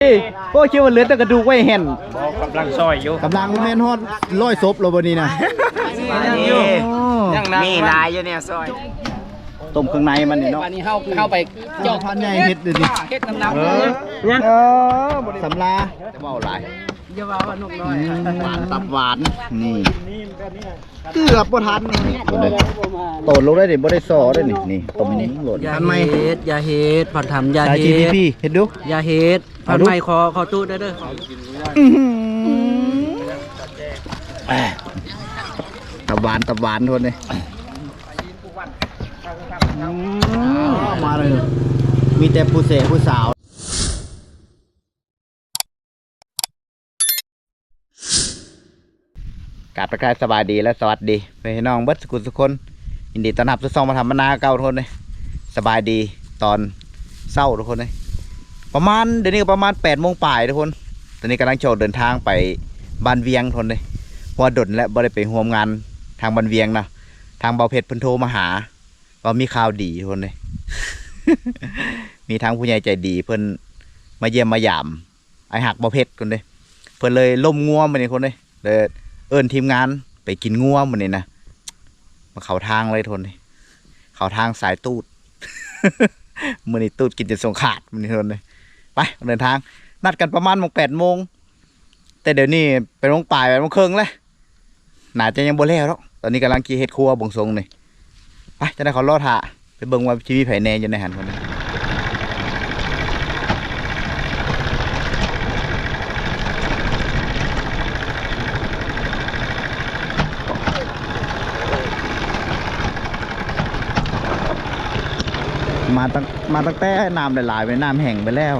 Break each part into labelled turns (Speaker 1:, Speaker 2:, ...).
Speaker 1: โอ้คิดว่าเหลือแต่กระดูกไว้เห็น
Speaker 2: กำลังซอยอยู่
Speaker 1: กำลังแม่นฮอดร้อยศพเราบนนี้นะ
Speaker 3: มีลายอยู่เนี่ยซอย
Speaker 1: ต้มเครื่องในมันนี่เนาะ
Speaker 3: วันนี้เข้าไป
Speaker 1: จอกพันใหญ่เฮ็ดดิ
Speaker 3: เฮ็ดน้
Speaker 1: ำสำลาจะเบาหลาย
Speaker 3: อย่าว่าว่านุ่มน้อย
Speaker 1: หวานตับหวานนี่เกือบบ่ทันนี่โตลงได้ดิบ่ได้ซอได้นี่ต้มโหลด
Speaker 3: ทันไหมอย่าเฮ็ดผัดทำอย่าเฮ็ด
Speaker 1: เฮ็ดดู
Speaker 3: อย่าเฮ็ดผัดไหมขอตู้ได้เด้อ
Speaker 1: ตับหวานทนเลยมาเลยมีแต่ผู้เสพผู้สาวกราบทักทายสบายดีและสวัสดีพี่น้องเบิร์ดสกุลสุคนยินดีต้อนรับทุกท่านมาทำมนาเก่าทุกคนเลยสบายดีตอนเศร้าทุกคนเลยประมาณเดี๋ยวนี้ก็ประมาณ8 โมงป่ายทุกคนตอนนี้กำลังโจดเดินทางไปบ้านเวียงทุกคนเลยเพราะว่าดนและบ่ได้ไปร่วมงานทางบ้านเวียงนะทางเบาเพชรเพิ่นโทรมาหาว่ามีข่าวดีทุกคนเลย มีทางผู้ใหญ่ใจดีเพิ่นมาเยี่ยมมาหยามไอหักเบาเพชรคนเลยเพิ่นเลยล่มงัวมาเนี่ยคนเลยเอิ้นทีมงานไปกินงัวมันนี่นะมาเข้าทางเลยทนเลยเข้าทางสายตูด มือนี่ตูดกินจนสงขาดมันนี่ทนเลยไปเดินทางนัดกันประมาณ8 โมงแต่เดี๋ยวนี้ไปลงป่าย8 โมงครึ่งเลยน่าจะยังบ่แล้วหรอกตอนนี้กำลังกีเฮ็ดครัวบงทรงเลยไปจะได้ขอรอถ่าไปเบิ่งว่าชีวิตไผแน่อยู่ในหันคนนี้มาตั้งแต่น้ำหลายๆไปน้ำแห้งไปแล้ว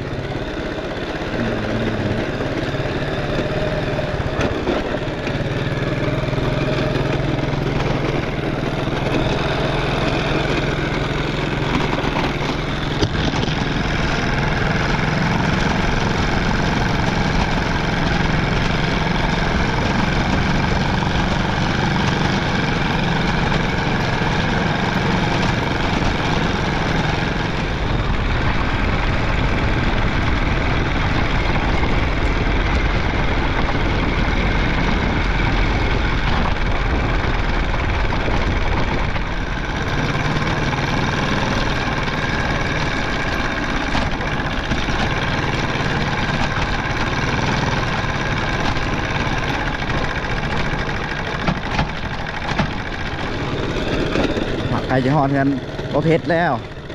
Speaker 1: ใครจะหอดกันก็เพชรแล้ว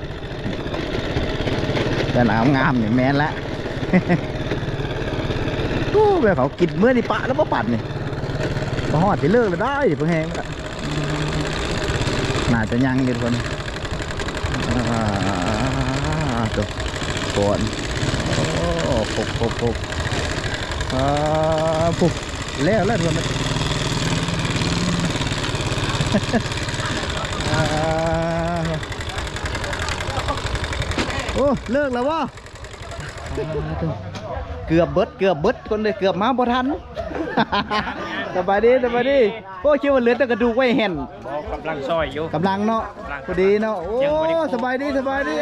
Speaker 1: แต่หนาวงามเนี่ยแมนละตู้แบบเขากินเมื่อนี่ปะแล้วก็ปั่นนี่พอหอดจะเลิกเลยได้เพิ่งแห้งละน่าจะยังอยู่คนตัวก่อนโอ้ปุ๊บปุ๊บแล้วทุกคนโอ้เลิกแล้ววะเกือบเบิดคนเลยเกือบมาบ่ทัน สบายดีโอ้คิดว่าเหลือแต่กระดูกไว้เห็น
Speaker 2: กำลังซอยอยู่
Speaker 1: กำลังเนาะพอดีเนาะโอ้สบายดี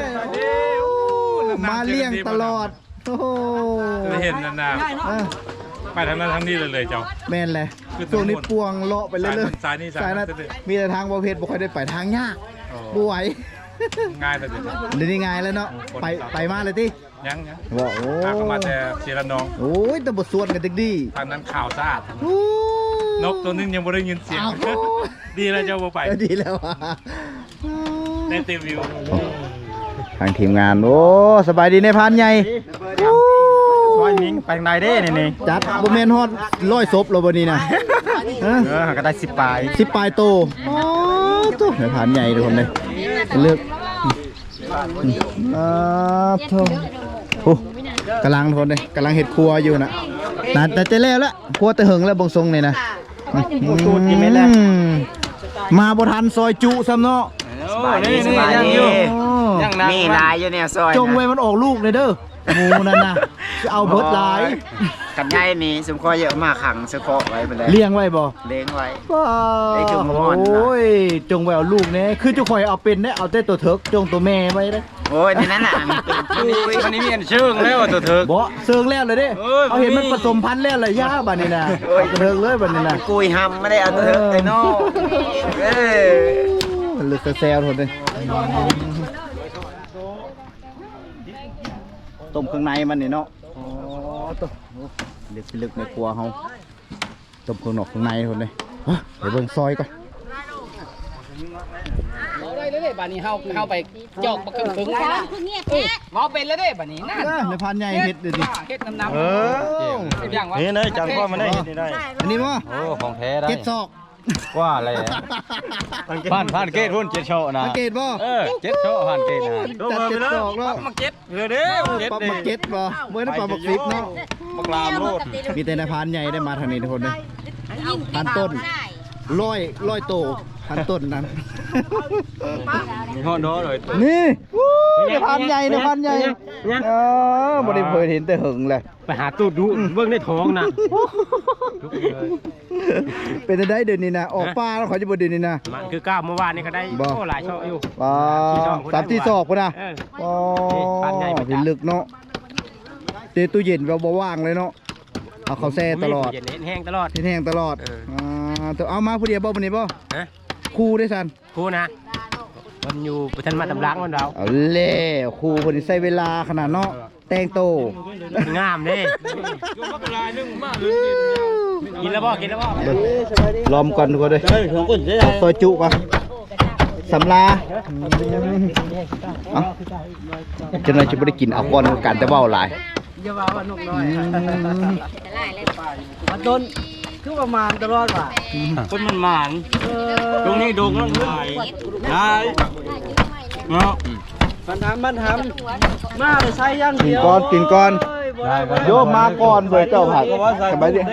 Speaker 1: มาเลี้ยงตลอดโอ้
Speaker 2: เห็นนานไปทางนั้นทางนี้เลยเจ้า
Speaker 1: แม่นเลยช่วงนี้ปวงเลาะไปเรื่อยๆสายนั้นมีแต่ทางประเภทบ่ค่อยได้ไปทางยากบ่ไหว
Speaker 2: ง่ายเลย
Speaker 1: เดี๋ยวนี้ง่ายแล้วเนาะไปมาเลยที่
Speaker 2: ยัง
Speaker 1: ว่าโอ้
Speaker 2: มาแต่เชียร์น้อง
Speaker 1: โอ้ยแต่บทสวดกันดี
Speaker 2: ทางนั้นข่าวสะอาดนกตัวนึงยังไม่ได้ยินเสียงดีแล้วเจ้าไป
Speaker 1: ดีแล้ว
Speaker 2: ได้เต็มวิว
Speaker 1: ทางทีมงานโอ้สบายดีในพานใหญ่
Speaker 2: ซอยนิ้งไปไหนได้นี่
Speaker 1: จัดบุเมนฮอด100 ศพเราบนนี้นะ
Speaker 2: ก็ได้10 ปลาย
Speaker 1: โตตู้ในพานใหญ่ทุกคนเลยเลือกโอ้กำลังทุกคนเลยกำลังเห็ดครัวอยู่นะแต่จะแล้วละครัวแต่หึงแล้วบงทรงเลยนะมาบทันซอยจุซ้ำเนาะ
Speaker 3: สบายดีมีลายอยู่เนี่ยซอย
Speaker 1: จงไว้มันออกลูกเลยเด้อหมูนั่นนะเอาเบิดหลาย
Speaker 4: กับยายนี่สมคอเยอะมากขังสะเคาะไว้ไปเลย
Speaker 1: เลี้ยงไว้บ่
Speaker 4: เลี้ยงไว้
Speaker 1: ว้า
Speaker 4: ได้จุ่มมะม่อนนะ
Speaker 1: โอ้ยจงไว้เอาลูกเนี่ยคือจะคอยเอาเป็นเนี่ยเอาแต่ตัวเถิกจงตัวแม่ไว้เลย
Speaker 4: โอ้ยในนั้นน่ะมันนี่มีอันเชิงแล้วตัวเถก
Speaker 1: บ่เซิงแล้วเลยเด้
Speaker 4: เอ้ย
Speaker 1: เอาเห็นมันผสมพันธุ์แล้วเลยย่าบัดนี้นะเอาตัวเถิกเลยบัดนี้นะ
Speaker 4: กุยหำไม่ได้เอาตัวเถกไอ้นอกเอ้ย
Speaker 1: มันลึกแซวๆทนเลยต้มเครื่องในมันนี่เนาะอ๋อตัวลึกในครัวเฮาต้มเครื่องนอกเครื่องในทนเลยเดี๋ยวเบิ่งซอยก่อน
Speaker 3: เมาได้เลยเด้บัดนี้เข้าไปจอกบักครึ่งๆนะเมาเป็นแล้วเด้บัดนี้นั่น
Speaker 1: ในพันใหญ่เฮ็ดเดี๋ยวดิ
Speaker 3: เฮ็ดน้ำ
Speaker 2: อย่างวะนี่เลยจังพ่อมาได้เห็นได้
Speaker 1: อันนี้บ่
Speaker 5: โอ้ของแท้ได้
Speaker 1: เก็ดซอก
Speaker 5: ว่าอะไรอะผ่านเกตรุ่นเจ็ดโชนะ
Speaker 1: สังเกตบ่
Speaker 5: เจ็ดโชผ่านเกตนะ
Speaker 1: จัดเก็ดซอกเนาะ
Speaker 2: มาเก็ตเรือเด้อเก็ต
Speaker 1: ปลา
Speaker 2: เด้
Speaker 1: หมึกเก็ดบ่เมื่อนั้นปลาหมึกฟิปเนาะ
Speaker 2: บักลามโลด
Speaker 1: มีแต่ในพันใหญ่ได้มาทางนี้ทุกคนเลยพันต้นร้อยโตพันต้นนั้น
Speaker 5: มีห้อน้อเลย
Speaker 1: นี่ในพันใหญ่ในพันใหญ่บริเวณเห็นแต่หึงเลย
Speaker 5: ไปหาตูดดูเบื้องในท้องนะ
Speaker 1: เป็นได้เดือนนี้นะออกปลาแล้วขอจะบเดือนนี้นะ
Speaker 5: มันคือก้าวเมื่อวานนี่ก็ได้โอ้หลายช่ออยู่
Speaker 1: ปลา3 4 ศอกพุ่นนะอ๋อ
Speaker 5: พันใหญ่ประจักษ์
Speaker 1: เป็นลึกเนาะเตะตู้เย็นเราบ่ว่างเลยเนาะเอาเขาแซ่ตลอด
Speaker 5: เย็นแห้งตลอด
Speaker 1: แห้งตลอดตัวเอามาผู้เดียวบ่วันนี้บ่
Speaker 5: ฮะ
Speaker 1: คู่ได้สัน
Speaker 5: ครูนะมันอยู่ประทันมาตำล้างมันเรา
Speaker 1: เอาเล่คู่คนนี้ใช้เวลาขนาดเนาะแต่งโต
Speaker 5: งามเด้กินแล้วบ่กินแล้วบ่
Speaker 1: ล้อมก่อนทุกคนเลยเอาซอยจุก่อนสำลาเอาจะน่าจะไม่ได้กินเอาก้อนกันแต่เว่าหลาย
Speaker 3: อย่าว่าว่านกน้อยมาต้นคือประมาณตลอดว่ะ
Speaker 5: คนมันหมานตรงนี้ดงแล้วได้เนาะ
Speaker 3: มันทำมาเลยใช้ย่าง
Speaker 1: กิน
Speaker 3: เดียว
Speaker 1: ก้อนกินก้อนโยมมาก่อนเบอร์เจ้าผักสบายดี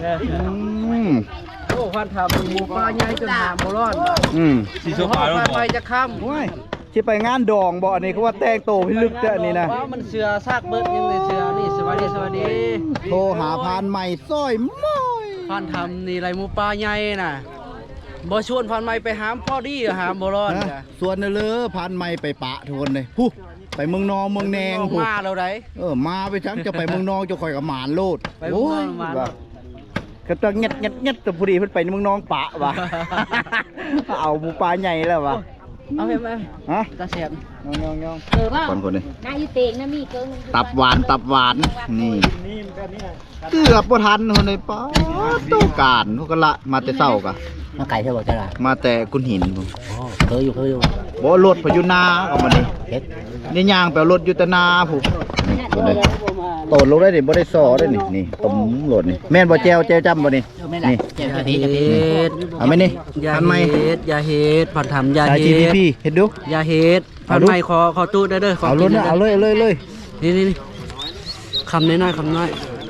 Speaker 3: โอ้พันทำหมูปลาใหญ่จนหามบ่รอด
Speaker 5: สีส้มขาว
Speaker 3: พันไปจะค่ำ
Speaker 1: โอ้ยที่ไปงานดองบ่อันนี้เขาว่าแต่งโตพิลึกแต่อันนี้นะ
Speaker 3: ว่ามันเสือซากเบิดยังเลยเสือนี่สวัสดี
Speaker 1: โทรหาพานใหม่ซอยม้อย
Speaker 3: พันทำนี่ไรหมูปลาใหญ่น่ะบ่ชวนพันใหม่ไปหามพ่อดีหามบ่รอด
Speaker 1: นะส่วนนั่นเลยพานใหม่ไปปะทุกคนเลยผู้ไปเมืองนองเมืองแนงผู้
Speaker 3: มาเราได้
Speaker 1: มาไปทั้งจะไปเมืองนองจะคอยกับหมานโลด
Speaker 3: ไปเมืองนองหมานโลด
Speaker 1: ก็ต้องเงียดแต่พอดีเพิ่นไปเมืองนองปะว่ะ เอาหมูปลาใหญ่แล้วว่ะ
Speaker 3: เอาไปไหม
Speaker 1: ฮะ
Speaker 3: ตาแสบ
Speaker 1: ยอง
Speaker 6: เออว่า
Speaker 1: คนเลย
Speaker 6: นายอยู่เตงนะมีเกิง
Speaker 1: ตับหวานนี่เกือบบ่ทันคนเลยป้าต้องการพวกกันละมาแต่เช้ากะ
Speaker 3: มาไก่เท่าบ่จ้า
Speaker 1: มาแต่กุนหินผม
Speaker 3: เคยอยู่
Speaker 1: บ่รถพยุนาเอามานี่นี่ย่างไปเอารถอยู่แตนาผู้คนเลยโตนลงได้นี่บ่ได้ซอได้นี่ต้มโหลดนี่แม่นบ่แจวจำบ่นี่นี่
Speaker 3: อย่าเฮ็ด
Speaker 1: เอาไหมนี่
Speaker 3: อย่า
Speaker 1: ทันไหม
Speaker 3: เฮ็ดอย่าเฮ็ดพันทำอย่า
Speaker 1: สาย
Speaker 3: เฮ็ด
Speaker 1: GDP เห็นดู
Speaker 3: อย่าเฮ็ดพันใหม่ขอตู้ได้เด้อ
Speaker 1: เอารถนะเอาเลย
Speaker 3: นี่คำน้อยคำน้อย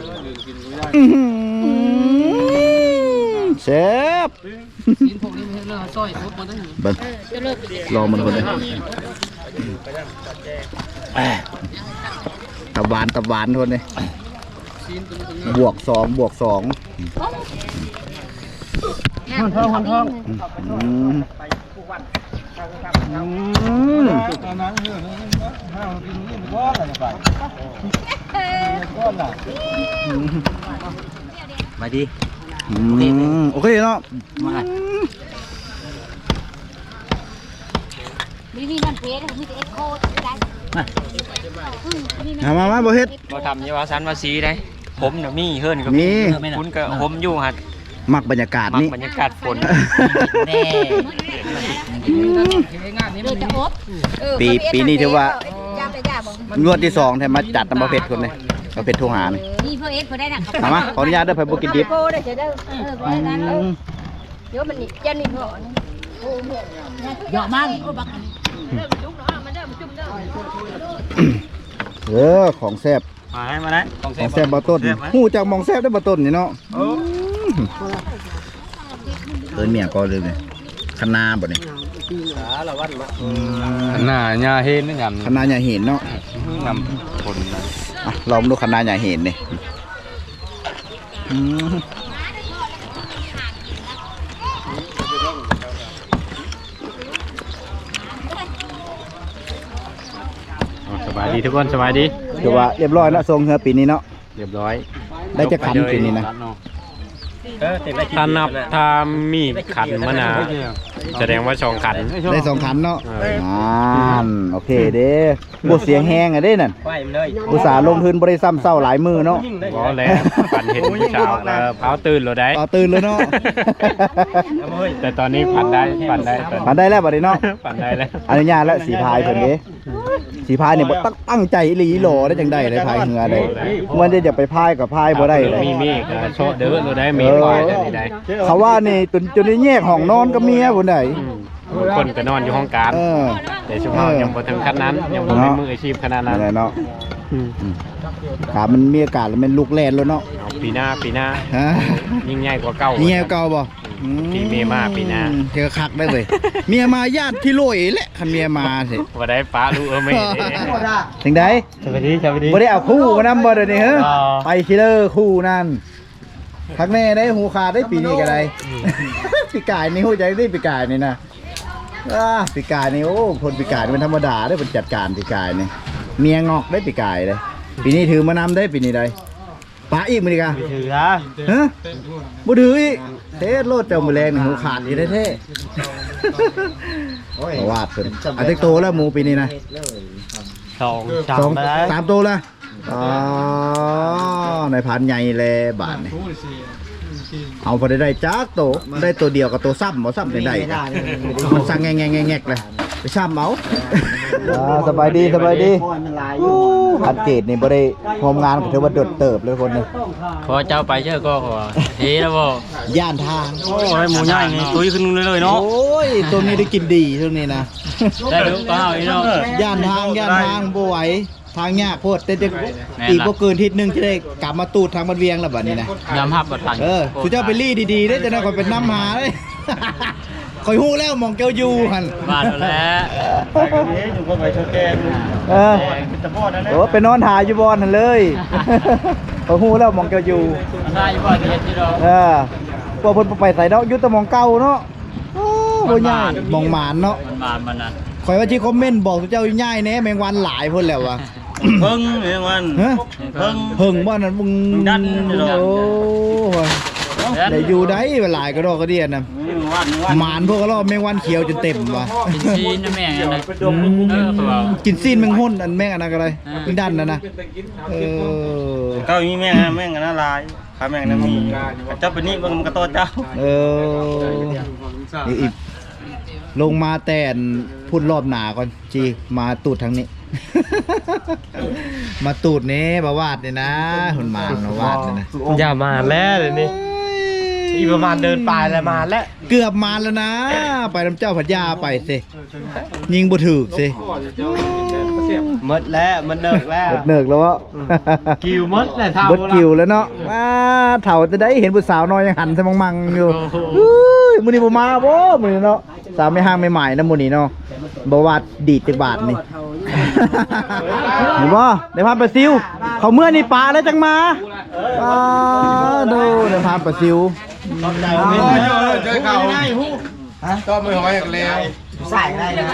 Speaker 1: แซ่บ
Speaker 3: กินพวกนี้ไม่เลิกซอยครบหมดทั้ง
Speaker 1: เบิ่งรอมันคนเลยตับหวานคนเลยบวก2
Speaker 3: ห้อง
Speaker 1: มาดีโอเคเนาะ
Speaker 6: มีมันเพชรมีแต่เอ็กโคได้
Speaker 1: มาบ่เฮ็ด
Speaker 5: เราทำยี่ว่าสันว่าสีได้ผมน่ะมีเฮิร์นก็มี
Speaker 1: มี
Speaker 5: คุณก็ผมอยู่หัด
Speaker 1: มักบรรยากาศ
Speaker 5: มัก
Speaker 1: นี่
Speaker 5: บรรยากาศฝน
Speaker 6: เลยจะอบ
Speaker 1: ปีนี้ถือว่า
Speaker 6: ยาไปยาบอก
Speaker 1: งวดที่2แทนมาจัดน้ำประเภทคนเลยประเภทโทรหานี่
Speaker 6: นี่เพื่อเอ็กเขาได้นะ
Speaker 1: ถามมาขออนุญาตเด้อไผบ่กินดิบ
Speaker 6: โคได้จะได้เพราะนั้นเดี๋ยวมันนี่เจ้านี่เหรอเยอะมากโอ้บัก
Speaker 1: ของแซ่บ
Speaker 5: มาได้
Speaker 1: ของแซ่บบ่ต้นฮู้จักหมองแซ่บได้บ่ต้นนี่เนาะเมียก็เลยนี่คะนาบ่นี่
Speaker 5: หน้าญาเห็นนี่ยำ
Speaker 1: คะนาอย่าเห็นเนาะ
Speaker 5: ยำฝน
Speaker 1: ลองดูขนาดใหญ่เห็นนี่
Speaker 5: สบายดีทุกคนสบายดี
Speaker 1: ถือว่าเรียบร้อยแล้วทรงเฮือปีนี้เนาะ
Speaker 5: เรียบร้อย
Speaker 1: ได้จะขันปีนี้นะ
Speaker 5: ถ้านับถ้ามีขันมะนาวแสดงว่า2ขัน
Speaker 1: ได้2ขันเนาะโอเคเด้บ่เสียงแห้งอ่ะเด้นั่นอุตส่าห์ลงทุนบ่ได้ซ้ำเศร้าหลายมือเนาะ
Speaker 5: บ่แล้วฝันเห็นผู้สาวแล้วเผาตื่นแล้วได้
Speaker 1: ต่อตื่นเลยเนาะ
Speaker 5: แต่ตอนนี้ฝันได้
Speaker 1: ผ่านได้แล้วบัดนี้เนาะ
Speaker 5: ฝันได้แล้ว
Speaker 1: อนุญาตแล้วสีพายเพิ่นเด้สีพายเนี่ยบ่ตั้งใจอีหลีหล่อได้จังได๋เลยพายเหือได้มันจะไปพายกับพายบ่ได้เลย
Speaker 5: มีก็โชดเด้อเราได้มีปล่อยได้ได้
Speaker 1: เขาว่านี่จนได้แยกห้องนอนกับเมียพุ่นได้
Speaker 5: คนก็นอนอยู่ห้องการแต่ช่วงเรายังบ่ถึงขั้นนั้นยังบ่มีมืออาชีพขนาดนั้น
Speaker 1: นั่นแหละเนาะขามันมีอากาศแล้วมันลุกแล่นแล้วเนาะ
Speaker 5: เอาปีหน้า
Speaker 1: ฮะ
Speaker 5: ยิ่งใหญ่กว่าเก่า
Speaker 1: เมียเก่าบ่
Speaker 5: ปีเมียมาปีหน้า
Speaker 1: เจอคักได้เว้ยเมียมาญาติพี่โลยแหละคันเมียมาสิ
Speaker 5: บ่ได้ป้ารู้ไม่ได้
Speaker 1: ถึงได้
Speaker 5: สวัสดี
Speaker 1: บ่ได้เอาคู่มานำบ่เดี๋ยวนี้เฮ้อไปคิลเลอร์คู่นั่นคักแน่ได้หูขาดได้ปีนี้ก็ได้ปีกายนี่ฮู้ใจได้ปีกายนี่นะปีกายนี่โอ้คนปีกายมันธรรมดาได้เป็นจัดการปีกายนี่เมียงอกได้ปีกายเลยปีนี้ถือมานำได้ปีนี้ได้ป้าอีกมื้อนี้กะถือฮะบ่ถืออีกเทโลดเจ้ามือแรงนี่หูขาดอีแท้ๆวาดเพิ่นอันเต็กโตแล้วหมูปีนี้นะ 3 ตัวละอ๋อในพันใหญ่เลยบาทนี่เอาพอได้จักโตได้ตัวเดียวกับตัวซ้ำบ่ซ้ำได้มันสั่งแงกเลยไปซ้ำเอาสบายดีอัดเกตนี่บ่ได้โฮมงานก็ถือว่าโดดเติบเลยคนนึง
Speaker 5: ขอเจ้าไปเชื่อก็ขอเฮ้แล้วบ่
Speaker 1: ย่านทาง
Speaker 5: โอ้ยหมูใหญ่นี่ตุ้ยขึ้นเลยเนาะ
Speaker 1: โอ้ยตัวนี้ได้กินดีตัวนี้นะ
Speaker 5: ได้ดูก็เอาอีเนาะ
Speaker 1: ย่านทางบ่ไหวทางยากโพดแต่จะอีกบ่เกินทิศนึงจะได้กลับมาตูดทางบันเวียงแล้วบัดนี้นะ
Speaker 5: ยำฮับกับทาง
Speaker 1: สุเจ้าไปรีดีๆได้จะได้คอยเป็นน้ำหาเลยคอยฮู้แล้วมองเกียวอยู่หัน
Speaker 5: บ้านแล้ว
Speaker 4: อยู่ก็ไปโชว์แกง
Speaker 1: โอ้ไปนอนถ่ายอยู่บอนหันเลยคอยฮู้แล้วมองเกียวอยู่
Speaker 5: ใช่บ่เฮ็ดอยู่ดอก
Speaker 1: พวกเพิ่นไปใส่เนาะยุทธมองเก่าเนาะโอ้บ่ย่ายมองหมานเนาะ
Speaker 5: มันนั่น
Speaker 1: คอยว่าที่คอมเมนต์บอกสุเจ้าย่ายแหน่แมงวันหลายพุ่นแล้ววะ
Speaker 4: เพิ่งเรื่องวัน
Speaker 1: ฮะ
Speaker 4: เพิ่ง
Speaker 1: เพิ่งบ่นั่นมึง
Speaker 4: ดัน
Speaker 1: โอ้ยได้อยู่ได้หลายกระดอกกระเดียนน่ะ หมานพวกก็รอบแมงวันเขียวจนเต็มว่ะ
Speaker 5: กินซีนนะแม่งอันนั้น
Speaker 1: กินซีนแมงหุ่นอันแมงอันนั้นก็ได้มึงดันนะ
Speaker 4: ก็มีแม่งน่าลายข้าแม่งน่ะมีเจ้าเป็นนี่มันก็โตเจ้า
Speaker 1: อีกลงมาแต่นพูดรอบหนาก่อนจีมาตูดทางนี้ มาตูดนี้บาวาดเนี่ยนะหุ่นมานบาวาดเนี่ยนะ
Speaker 5: อย่ามาแล้วเลยวนี้อีประมาณเดินปลายแล้วมาแล้ว
Speaker 1: เกือบมาแล้วนะ ไปน้ำเจ้าพัทยาไปสิยิงบุถือสิ
Speaker 5: หมดแล้วมันเนิกแล้ว
Speaker 1: เนิกแล้ววะ
Speaker 5: กิวหมดแล้วเท่า
Speaker 1: บดกิวแล้วเนาะเถ่าจะได้เห็นผู้สาวน้อยยังหันสมังอยู่มือนี้บ่มาบ่มือนี้เนาะสาวไม่ห้างไม่ใหม่นะมือนี้เนาะบ่วาดดีดจักบาทนี่เห็นบ่ได้พาไปซิวเขาเมื่อนี่ปลาแล้วจังมาดูได้พาไปซิว
Speaker 4: เจอเขาก็ไม่หอยอีกแล้ว
Speaker 1: ใส่ได้นะ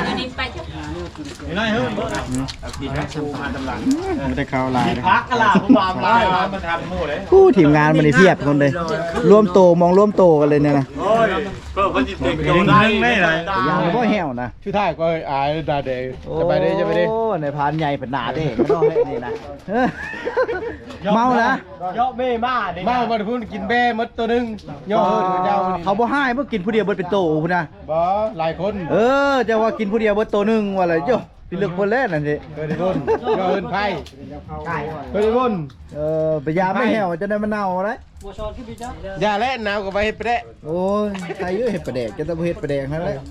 Speaker 4: ไม่ได้เข้าลาย
Speaker 5: พักกะลาผมวางลายมันทำหมู่เลย
Speaker 1: ผู้ทีมงานมันนี่เพียบคนเลยร่วมโตมองร่วมโตกันเลยเนี่ยนะ
Speaker 4: ก็มันจิตเด็กอยู่ได้ไม่ไร
Speaker 1: ยังบ่แห้วนะ
Speaker 4: ชื่อท่ายก็อายดาเดย์จะไปได้จะไปได้
Speaker 1: โอ้ในพานใหญ่เป็นหนาเด้ก็ต้องให้นี่นะเมานะ
Speaker 5: เยาะเบ้มาดิ
Speaker 4: มามาพูดกินแบ่มดตัวนึงย่อเจ้า
Speaker 1: เขาบ่ให้เมื่อกินผู้เดียวเบิดเป็นโตพุ่นนะ
Speaker 4: บ่หลายคน
Speaker 1: จะว่ากินผู้เดียวเบิดโตนึงว่าอะไรเจ้าพี่เลือกคนแรกนั่นสิ
Speaker 4: เคยได้รุ่นย่อเอินไพ่เคยได้รุ่น
Speaker 1: ไปยามไม่แห้วจะได้มันเน่าอะไร
Speaker 4: อย่าเล่นน้ำกับไปเฮ็ดไปได้
Speaker 1: โอ้ยใครเยอะเห็ดประแดกจะต้องเห็ดประแดกนั่นแหละ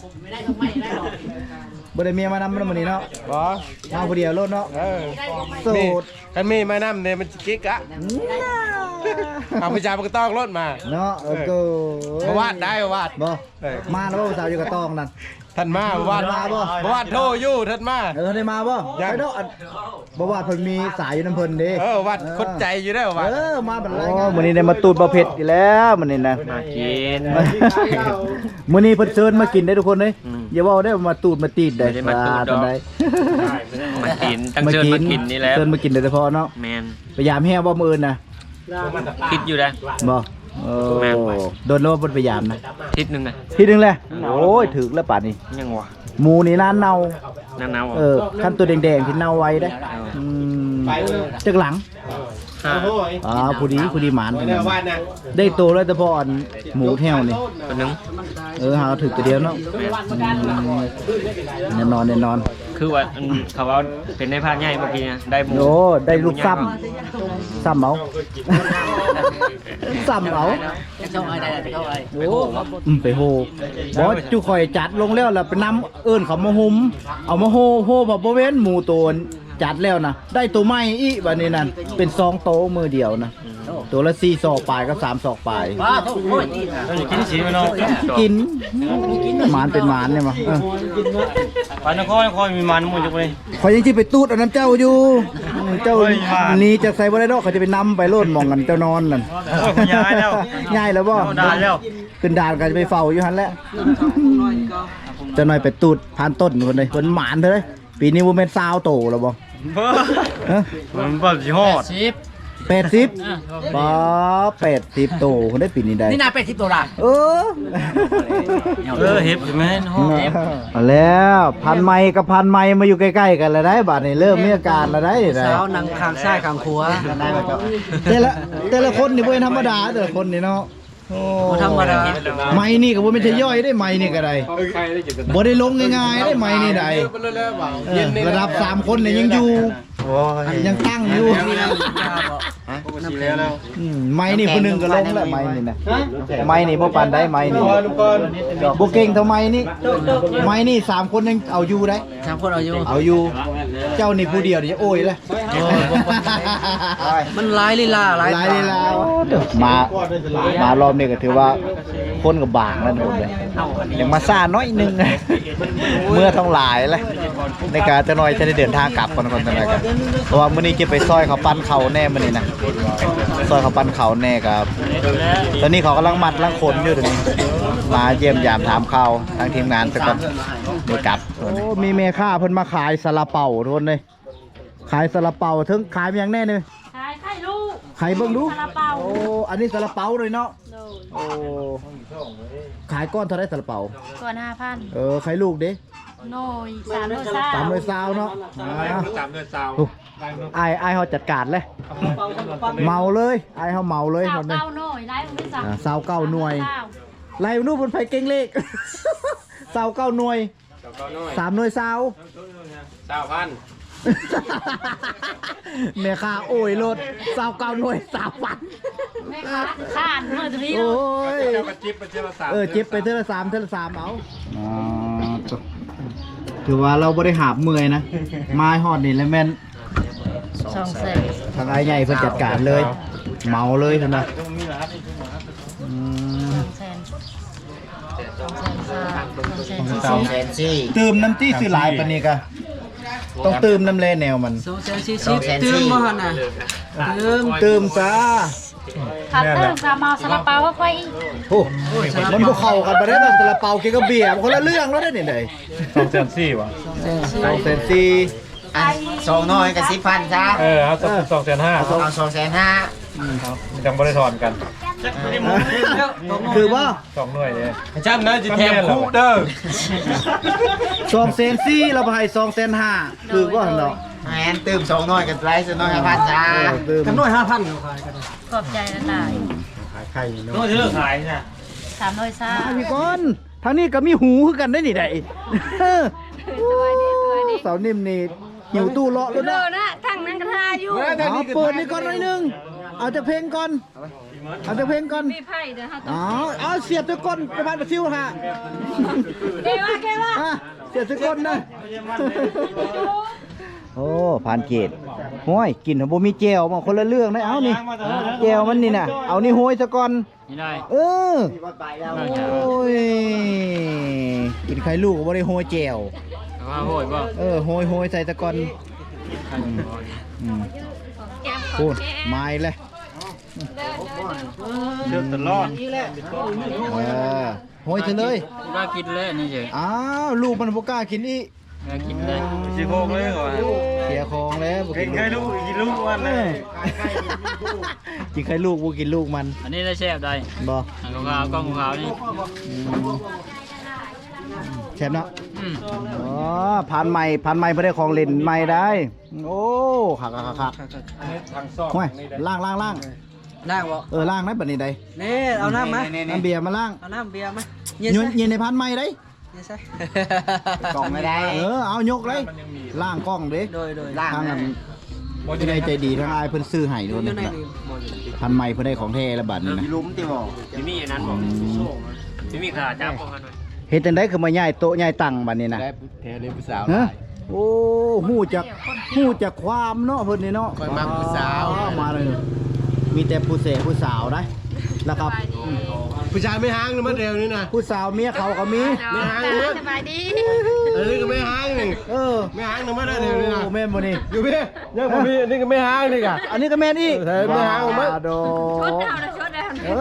Speaker 1: บ่ได้เมียมานำมันมื้อนี้เนาะ
Speaker 4: บ่
Speaker 1: มาผู้เดียวโลดเนาะโสด
Speaker 4: กันมีไม้น้ำเนี่ยมันกิ๊กอะเอาไปจ่ายมันก็ต้องรถมา
Speaker 1: เนาะก็
Speaker 4: วาดได้วาด
Speaker 1: บ่มาแล้วบ่สาวอยู่กับตองนั่น
Speaker 7: ท่านมาบ่าวมาบ่บ่าวโทรอยู่ท่านมา
Speaker 1: ได้มาบ่ไปเนาะบ่ว่าเพิ่นมีสายอยู่น้ำเพิ่นเด้
Speaker 7: วัดคนใจอยู่ได้วัด
Speaker 1: มาบัดไรมื้อนี้ได้มาตูดบ่เผ็ดอีกแล้วมื้อนี้นะ
Speaker 5: มากิน
Speaker 1: มื้อนี้เพิ่นเชิญมากินได้ทุกคนเด้อย่าเว้าได้มาตูดมาตีดได้
Speaker 5: ไม่ได้มาตูดดอก มากินตั้งเชิญมากินนี่แหล้ว
Speaker 1: เชิญมากินโดยเฉพาะเนาะ
Speaker 5: แมน
Speaker 1: พยายามแฮ่บ่มื้ออื่นน่ะ
Speaker 5: คิดอยู่นะ
Speaker 1: บ่
Speaker 5: แม่นไป
Speaker 1: โดนโลบ่พยายามนะ
Speaker 5: ทิศหนึงนะ
Speaker 1: ทีนึงแหละโอ้ยถึกแล้วป่านนี้
Speaker 5: ยังวะ
Speaker 1: หมูนี่น่าเน่า
Speaker 5: หน้า
Speaker 1: ขั้นตัวแดงๆที่เน่าไว้ได้จักหลังผู้ดีหมานได้โตแล้วแต่พออันหมูแถวนี่
Speaker 5: ตัวหนึง
Speaker 1: หาถึกตัวเดียวเนาะแน่นอน
Speaker 5: คือว่าอันเขาว่าเป็นในภาคใหญ่เมื่อกี้นะได้หมู
Speaker 1: โอ้ได้ลูกซ้ำเอาซ้ำเอา
Speaker 3: จะเข้าไอ้ได้จะเข้าไอ้
Speaker 1: โอ้ไปโฮบอจุข่อยจัดลงแล้วล่ะไปนำเอิ้นเขามาหุมเอามาโฮบ่เว้นหมูตัวจัดแล้วนะได้ตัวใหม่อีบัดนี้นั่นเป็น2โตมือเดียวนะตัวละ4ศอกปลายกับ3ศอกปลาย
Speaker 3: ว้าโอ้ยนี่
Speaker 4: กินสีมันเนาะ
Speaker 1: กินหมานเป็นหมานเนี่ยมั้ง
Speaker 4: ปานนครมีมันหมดจังเลย
Speaker 1: ข่อยยังสิไปตูดเอาน้ำเจ้าอยู่เจ้านี่จากใส่บ่ได้ดอกเขาจะไปนำไปโลดหมองกันเจ้านอนนั่น
Speaker 4: โอ้ยคุณยายแล้ว
Speaker 1: ย้ายแล้วบ่
Speaker 4: ด่าแล้ว
Speaker 1: ขึ้นด่านก็จะไปเฝ้าอยู่หั่นแหละเจ้าน้อยไปตูดผ่านต้นคนเลยเพิ่นหมานเด้อปีนี้บ่แม่น20โตแล้วบ่
Speaker 4: มันแบบสิฮอด
Speaker 1: 80ป้า80โตคนได้ปีนี้ได้
Speaker 3: นี่นาเป็ดทิพย์ตัวละ
Speaker 1: เออ
Speaker 4: เฮ็บใช่ไหมฮอด
Speaker 1: เอาแล้วพันไม้กับพันไม้มาอยู่ใกล้ๆกันแล้วได้บาดนี้เริ่มมีอาการแล้วได้
Speaker 3: เช้านังคางซ้ายคางขวา
Speaker 1: แต่ละคนนี่บ่ธรรมดาแต่ละคนนี่เนาะโอ้
Speaker 3: ธรรมดา
Speaker 1: ไม้นี่ก็บ่แม่นจะย่อยได้ไม้นี่ก็ได้บ่ได้ลงง่ายๆได้ไม้นี่ได้ระดับ3คนนี่ยังอยู่ยังตั้งอยู่ไม้นี่ผู้หนึงก็ลงแล้วไม้นี่นะไม้นี่บ่ปานได้ไม้นี่บ่เก่งเท่าไม้นี่ไม้นี่3คนยังเอาอยู่ได้
Speaker 3: 3 คนเอาอยู่
Speaker 1: เอาอยู่เจ้านี่ผู้เดียวนี่โอ้ยเลย
Speaker 3: มันหลายลีลาหลาย
Speaker 1: หลายลีลามารอบนี้ก็ถือว่าคนกับบางแล้วหนูเลยยังมาซ่าน้อยนึงเมื่อท้องหลายเลยในการจะน้อยจะได้เดินทางกลับคนจะน้อยกันเพราะว่ามื้อนี้จะไปซอยเขาปั้นเขาแน่มื้อนี้นะซอยเขาปั้นเขาแน่ครับตอนนี้เขากำลังมัดลังขนอยู่ตรงนี้มาเยี่ยมยามถามข่าวทางทีมงานสักก่อนเดี๋ยวกลับโอ้มีเมค่าเพิ่นมาขายซาลาเปาทุกคนเลยขายซาลาเปาถึงขายอย่างแน่เลย
Speaker 6: ไข่ลูก
Speaker 1: ขายเบิ่งดู
Speaker 6: ซาลาเปา
Speaker 1: โอ้อันนี้ซาลาเปาเลยเนาะโอ้ขายก้อนเท่าไรซาลาเปา
Speaker 6: ก่อน5,000
Speaker 1: ขายลูกเด้
Speaker 6: หน่อย3 โลซ่า
Speaker 1: 300เนาะ
Speaker 2: 3 เดือนซาว
Speaker 1: ไอ้เฮาจัดการเลยเมาเลยไอ้เฮาเมาเลยหมดเลย
Speaker 6: เก้าหน่อยไล่มึงไม่สั่ง
Speaker 1: 29หน่วยไล่นู่นบนไฟเก่งเลข29หน่วย3หน่วยซาว
Speaker 2: 3,000
Speaker 1: แม่ค้าโอ้ยรถ29หน่วย3,000
Speaker 6: แม่ค้าข้านเมื่อตรงนี้
Speaker 1: โอ้ย
Speaker 2: เจ้ากระจิ๊บเป็นเจ้าละ3
Speaker 1: เจ็บไปเท่าละ3เอาถือว่าเราบริหารเมื่อยนะไม้ฮอดนี่แล้วแม่น
Speaker 6: 200,000
Speaker 1: ทางไอ้ใหญ่เพิ่นจัดการเลย เมาเลยท่านนะตื่มน้ำจี้ซื้อหลายปานนี้กะต้องตื่มน้ำแร่แนวมัน
Speaker 3: 240ตื่นบ่หั่นน่ะ
Speaker 1: ตื่มซะ
Speaker 6: ขัดเติมกาเมาซาลาเปาก็ค่อย
Speaker 1: โอ้มันบ่เข้ากันบ่ได้กับซาลาเปาเกี่ยวกับเบียร์มันคนละเรื่องแล้วได้นี่ได้
Speaker 2: 2,400ว่ะ
Speaker 1: 2,400
Speaker 3: 2น้อยกับ10,000ซะ
Speaker 2: เอา2,500
Speaker 3: เอา2,500
Speaker 2: จังบ่ได้ถอนกัน
Speaker 1: คือว่า
Speaker 2: 2 หน่วยเลย
Speaker 7: จำนะจะแถมคู่เด้อ
Speaker 1: 2,400เราไปให้2,500คือว่าหั่นเนาะ
Speaker 3: แม่นตื่ม2น้อยกับไลฟ์2น้อย5,000จ้า
Speaker 1: กันน้อย
Speaker 6: ขอบใจละลาย
Speaker 4: โน้ตเลิกขายน่ะ
Speaker 6: 300ซ่า
Speaker 1: พี่ก้อนทางนี้ก็มีหูคือกันได้นี่ได้
Speaker 6: สวัสดี
Speaker 1: เสานิ่มนี่หิวตู้เลาะแล้ว
Speaker 6: เด้
Speaker 1: นะ
Speaker 6: อนะทั้งนั้นก็ทาอยู่
Speaker 1: เอาเปิดนี่ก่อนหน่อยนึงเอาจากเพลงก่อนเอาจากเพลงก่อน
Speaker 6: มีไผ่เด้อฮะ
Speaker 1: เอาเสียบจากก้นกระพานประซิวฮะ
Speaker 6: เกว่า
Speaker 1: เสียบจากก้นนะโอ้ผ่านเกตห้อยกินบ่มีแจวมาคนละเรื่องได้เอานี่แจวมันนี่น่ะเอานี่ห้อยซะก่อน
Speaker 5: นี่ได้
Speaker 1: เออโอ้ยกินไข่ลูกก็บ่ได้ห้อยแจว
Speaker 5: ว่าโหยบ่
Speaker 1: เออห้อยใส่ซะก่อนพูดไม้เลย
Speaker 4: เดือดตลอด
Speaker 1: ห้อยซะเลย
Speaker 5: ว่ากินเลยนี่เฉย
Speaker 1: อ้าวลูกมันบ่กล้ากินอีก
Speaker 5: ว่ากินเลย
Speaker 4: สิโคกเลยก่อน
Speaker 1: เสียของแล้วบ่
Speaker 4: กินไข่ลูกกินลูกวันเลย
Speaker 1: กินไข่ลูกบ่กินลูกมัน
Speaker 5: อันนี้ได้แซ่บได้
Speaker 1: บ่
Speaker 5: อันขาวๆกล้องขาวๆนี่
Speaker 1: แซ่บเนาะอ๋อผ่านใหม่เพื่อได้ของเล่นใหม่ได้ โอ้คัก
Speaker 2: อันนี้ทางซอก
Speaker 1: ห้วย
Speaker 2: นี่ได้
Speaker 1: ล่าง
Speaker 3: ล่างบ่
Speaker 1: ล่างได้บัดนี้ได้
Speaker 3: นี่เอาน้ำมา
Speaker 1: น้ำเบียร์มาล่าง
Speaker 3: เอาน้ำเบียร์มา
Speaker 1: ยืนในพันใหม่ได้
Speaker 3: เนี่ยใช่
Speaker 1: กล่องไม่ได้เอายกเลย
Speaker 2: มันยังมี
Speaker 1: ล่างกล้องเด้
Speaker 3: โดย
Speaker 1: ทางนั้น
Speaker 2: บ่
Speaker 1: ที่ได้ใจดีทางอายเพิ่นซื้อให้ด้วย
Speaker 3: อยู่
Speaker 1: นะ
Speaker 3: ในนี้บ่อยู่
Speaker 1: พันใหม่เพิ่นได้ของแท้แล้วบัดนี้นะ
Speaker 5: ที่มีอันนั้นบ่ที่มีขาจับบ่กันหน่อย
Speaker 1: เฮ็ดจังได๋คือมาย้ายโต๊ะย้ายตั้งบัดนี้นะ
Speaker 7: ได้แท้เลยผู้สาว
Speaker 1: ฮะโอ้ฮู้จักความเนาะเพิ่นนี่เนาะ
Speaker 7: คอยมักผู้สาว
Speaker 1: มาเลยมีแต่ผู้เสพผู้สาวได้แล้วครับ
Speaker 7: ผู้ชายไม่ห้างนะมันเร็วนี่นะ
Speaker 1: ผู้สาวเมียเขาก็มี
Speaker 7: ไม่ห้างนะ
Speaker 6: สบายดี
Speaker 7: อันนี้ก็ไม่ห้างนี่
Speaker 1: เออ
Speaker 7: ไม่ห้างนะมันเร็วนี่นะ
Speaker 1: โอ้แม่นบ่นี่
Speaker 7: อยู่พี่ยังบ่มีอันนี้ก็ไม่ห้างนี่กะ
Speaker 1: อันนี้ก็แม่นอีก
Speaker 7: เออไม่หาเอามั้ย
Speaker 1: โด
Speaker 6: ชดเอานะชดเอา
Speaker 1: เอ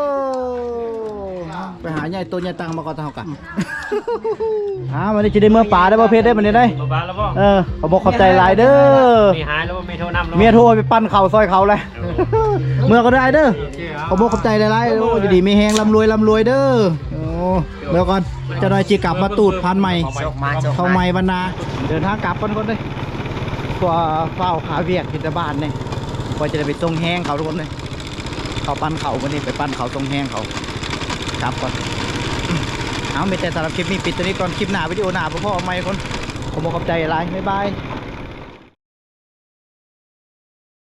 Speaker 1: อไปหาใหญ่ตัวใหญ่ตังมาก่อนเท่ากันวันนี้จะได้เมื่อป่าได้บ่เพชรได้บัดนี้ได้
Speaker 5: บ่บาแล้วบ่
Speaker 1: ขอบอกขอบใจหลายเด้อ
Speaker 5: มีหายแล้วบ่มีโทรนำแล้ว
Speaker 1: เมียโทรไปปั้นเข่าซอยเขาเลยเมื่อก็ได้เด้อขอบอกขอบใจหลายๆโอ้ยดีมีแฮงร่ำรวยเด้อโอ้เมื่อก่อนจะหน่อยจีกลับมาตูดพันใหม่เข้าใหม่บรรณาเดินทางกลับคนเลยกว่าเฝ้าขาเวียกกิจบ้านเนี่ยกว่าจะได้ไปตรงแห้งเขาทุกคนเลยเขาปั้นเขาวันนี้ไปปั้นเขาตรงแห้งเขากลับก่อนเอาไม่แต่สำหรับคลิปนี้ปิดตัวนี้ก่อนคลิปหน้าวิดีโอหน้าพ่อเอาใหม่คนขอบอกขอบใจหลายบ๊ายบาย